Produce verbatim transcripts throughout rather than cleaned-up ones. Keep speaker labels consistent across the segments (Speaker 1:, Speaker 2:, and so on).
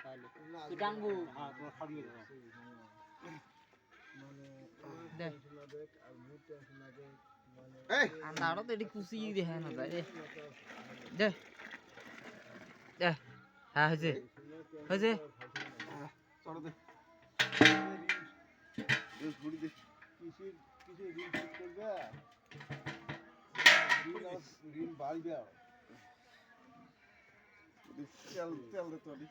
Speaker 1: খাইলে
Speaker 2: তুই টানবো
Speaker 1: হ্যাঁ তোমার খাইয়ে দাও
Speaker 3: মানে
Speaker 2: দে
Speaker 3: না দেখ আর মুড টেনশন না দেখ মানে
Speaker 1: এই
Speaker 2: আন্দাড়ো তো এটি কুচি দেখে না যায় রে দে দে হ্যাঁ হয়েছে হয়েছে
Speaker 1: চলো দে এই ঘুরি দে
Speaker 3: কিসের কিসের ঋণ শোধ করবে ঋণ আর ঋণ বাড়বে আর
Speaker 1: তেল তেল দে তো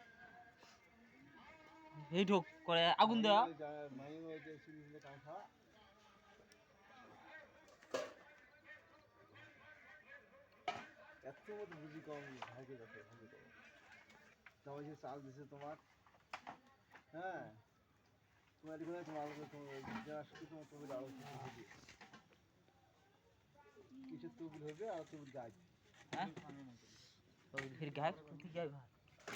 Speaker 2: এই ঢোক করে আগুন দেওয়া
Speaker 3: মাইন ওই যে সিরিজে কাম খাওয়া এত মতো বুঝি কম ভাগে যাচ্ছে ভাগে কম তোমার যে চাল দিছে তোমার হ্যাঁ তোমার এখানে তোমার যারা শুধু তোমার তবিল আরো কিছু হবে কিসের তবিল হবে আর তবিল গাছ
Speaker 2: হ্যাঁ ওই ফির গায় কুতি যায় ভাই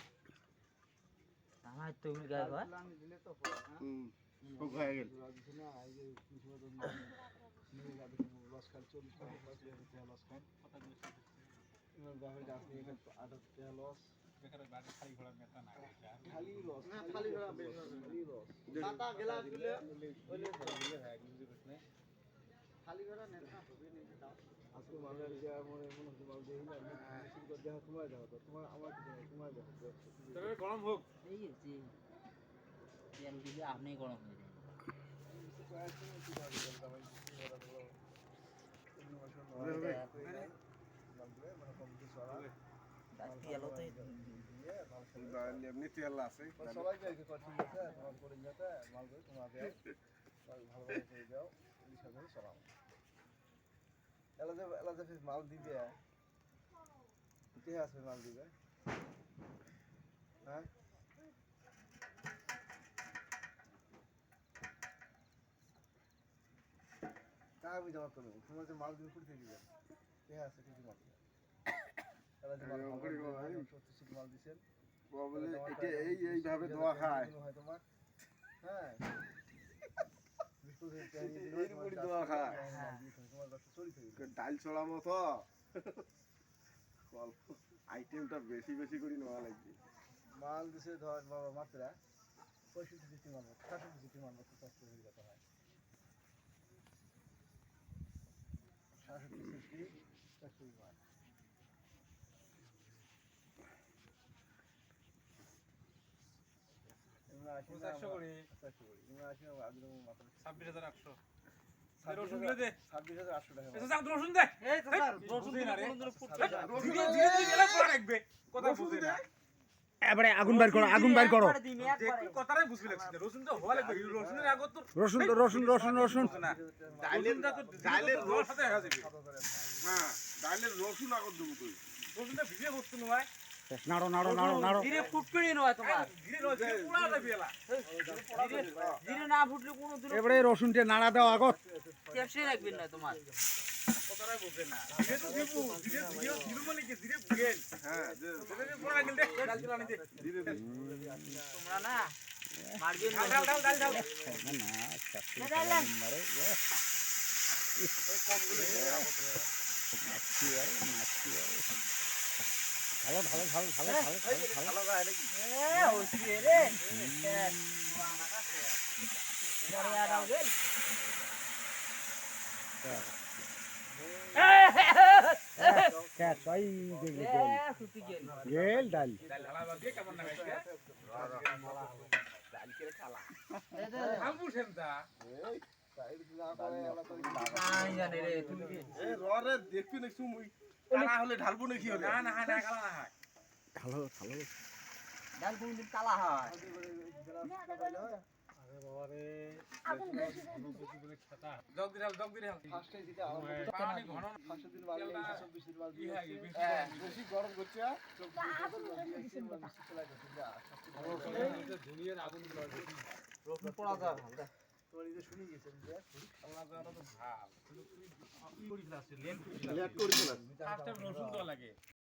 Speaker 2: আমার তো উল গায় ভাই
Speaker 1: হুম খুব হয়ে গেল
Speaker 3: না এই যে কিছু মতো নিয়ে যাবে লস খান চল্লিশ টাকা লস টাকা লস খান এবার বাপে গাছ নিয়ে গেল আঠাশ টাকা লস খালি লস না খালি ঘোড়া বেশ খালি লস মাথা গেলা দিলে বলে দিলে হ্যাঁ বুঝি বুঝ না খালি ঘোড়া নেতা হবে নিতে দাও আজকে মানে যে মনে মনে হচ্ছে মাল দেই না মিছিল করে দেখা তোমার যাও তো তোমার আমার কিছু নাই তোমার যাও তবে গরম হোক
Speaker 2: এই যে তেল দিলে আপনি গরম হয়ে যায়
Speaker 1: এমনি তেল আছে
Speaker 3: সবাই যাইকে ঠিক আছে তোমার করে যেতে মাল করে তোমাকে ভালো করে দাও এই সাথে সালাম এলা যে এলা যে মাল দিবে কে আছে মাল দিবে হ্যাঁ তা আমি জমা করবো তোমার যে মাল দিবে কুড়ি থেকে দিবে কে আছে কিছু মাল দিবে এলা যে মাল সত্যি মাল দিছেন
Speaker 1: বলে এটা এই এইভাবে দোয়া খায়
Speaker 3: হয় তোমার হ্যাঁ
Speaker 1: এইরকমই দোয়া খায়
Speaker 3: তোমার ব্যবসা চলি থাকে
Speaker 1: ডাল ছড়া মতো আইটেমটা বেশি বেশি করে নেওয়া লাগবে
Speaker 3: মাল দিছে ধর বাবা মাত্রা পঁয়ষট্টি সিটি মাল সাতষট্টি সিটি মাল মতো কষ্ট হয়ে যেতে হয় সাতষট্টি সিটি চারশো মাল চারশো করি চারশো করি আসি আগে মাত্রা ছাব্বিশ হাজার আটশো রসুন দে ছাব্বিশ হাজার আটশো টাকা রসুন দে এই রসুন দিন আরে রসুন দিয়ে দিয়ে গেলে পড়া রাখবে কথা বুঝে না
Speaker 4: এবারে আগুন বাইর করো আগুন বাইর করো
Speaker 3: কথাটাই বুঝবি লাগছে রসুন তো হওয়া লাগবে রসুনের আগত তো
Speaker 4: রসুন রসুন রসুন রসুন
Speaker 1: ডালের
Speaker 3: তো
Speaker 1: ডালের রস
Speaker 3: সাথে হয়ে যাবে
Speaker 1: হ্যাঁ ডালের রসুন আগত দেবো তুই
Speaker 3: রসুনটা ভিজে বস্তু নয়
Speaker 4: নাড়ো নাড়ো নাড়ো নাড়ো
Speaker 2: ধীরে ফুটকড়ি নয় তোমার
Speaker 3: ধীরে নয় ধীরে পোড়া যাবে এলা
Speaker 2: ধীরে না ফুটলে কোনো দূর
Speaker 4: এবারে রসুনটা নাড়া দাও আগত
Speaker 2: টেপসে রাখবেন না তোমার
Speaker 3: কথাটাই বুঝে না ধীরে তো দিব ধীরে ধীরে ধীরে মানে কি ধীরে বুঝেন
Speaker 1: হ্যাঁ যে
Speaker 3: ধীরে পোড়া গেল দে ডাল চলা নি দে
Speaker 1: ধীরে ধীরে
Speaker 2: তোমরা না মারবেন
Speaker 3: ডাল ডাল ডাল ডাল
Speaker 4: না ডাল মারে ভালো ভালো ভালো ভালো ভালো ভালো
Speaker 1: ভালো গায় নাকি
Speaker 2: এ ওসি রে বড় আড়াও গেল
Speaker 4: কে তাই দেখলি
Speaker 2: এ সুতি গেল
Speaker 4: গেল ডাল
Speaker 3: ডাল ঢালা দিয়ে কেমন না গাইছে ডাল করে খালা আমু সেনটা এই সাইড দিলা করে এলা করে
Speaker 2: নাই জানে রে তুমি কি
Speaker 1: এ ররে দেখবি না সুমুই কালা হলে ঢালবো নাকি হলে
Speaker 3: না না না কালা না হয়
Speaker 4: ভালো ভালো
Speaker 2: ডাল কোনদিন কালা হয়
Speaker 3: আরে বাবা রে অনুভূতি বলে খেতা জগ দিরাল জগ দিরাল ফার্স্টে দিতে আরম্ভ পানি ঘন ফার্স্টে দিন বাজে চব্বিশ দিন বাজে বেশি গরম করছে চব্বিশ দিন বাজে চলা গেছে যা সবচেয়ে দুনিয়ার আগুন গুলো
Speaker 2: রসুন পোড়া যায় ভালো
Speaker 3: তোর এই যে শুনি গেছেন যে আমরা জানা তো ভাব কিন্তু তুই করি ক্লাসে লেন
Speaker 1: লেট করি না
Speaker 3: ফার্স্টে রসুন দেওয়া লাগে